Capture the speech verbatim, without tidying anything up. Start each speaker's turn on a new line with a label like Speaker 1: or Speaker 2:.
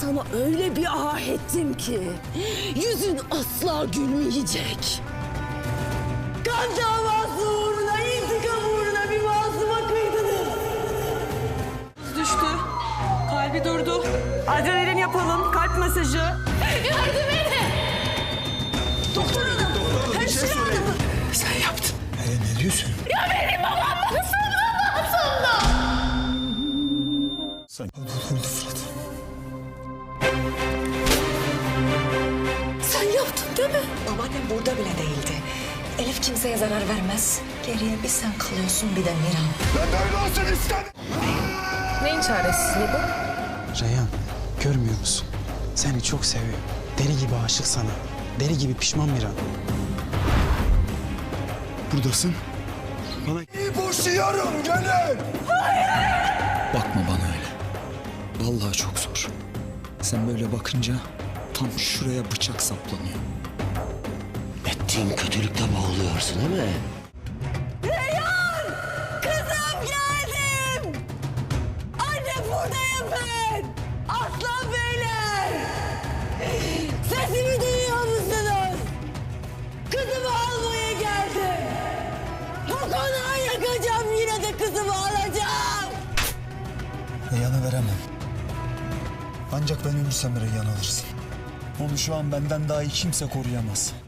Speaker 1: sana öyle bir ah ettim ki yüzün asla gülmeyecek. Kan davası uğruna, intikam uğruna bir masuma kıydınız.
Speaker 2: Düştü. Kalbi durdu. Adrenalin yapalım. Kalp masajı.
Speaker 1: Yardım edin! Doktor hanım! Hemşire hanım!
Speaker 3: Sen yaptın. Ee, ne diyorsun?
Speaker 1: Ya benim babam nasıl aslında?
Speaker 3: Sen öldü Fırat.
Speaker 1: Sen yaptın değil mi?
Speaker 4: Babaannem burada bile değildi. Elif kimseye zarar vermez. Geriye bir sen kalıyorsun bir de Miran.
Speaker 3: Ben böyle olsun istedim.
Speaker 1: Neyin çaresizliği bu?
Speaker 5: Reyhan, görmüyor musun? Seni çok seviyor. Deli gibi aşık sana. Deli gibi pişman Miran.
Speaker 3: Buradasın. Bana iyi boşuyorum gelin.
Speaker 6: Bakma bana öyle. Vallahi çok zor. Sen böyle bakınca tam şuraya bıçak saplanıyor.
Speaker 7: Ettiğin kötülükte boğuluyorsun değil mi?
Speaker 1: Reyhan! Kızım geldim! Anne buradayım ben! Aslan beyler! Sesimi duyuyor musunuz? Kızımı almaya geldim! Bu konağı yakacağım, yine de kızımı alacağım!
Speaker 3: Reyhan'ı veremem. Ancak ben ölürsem Reyhan alırsın. Onu şu an benden daha iyi kimse koruyamaz.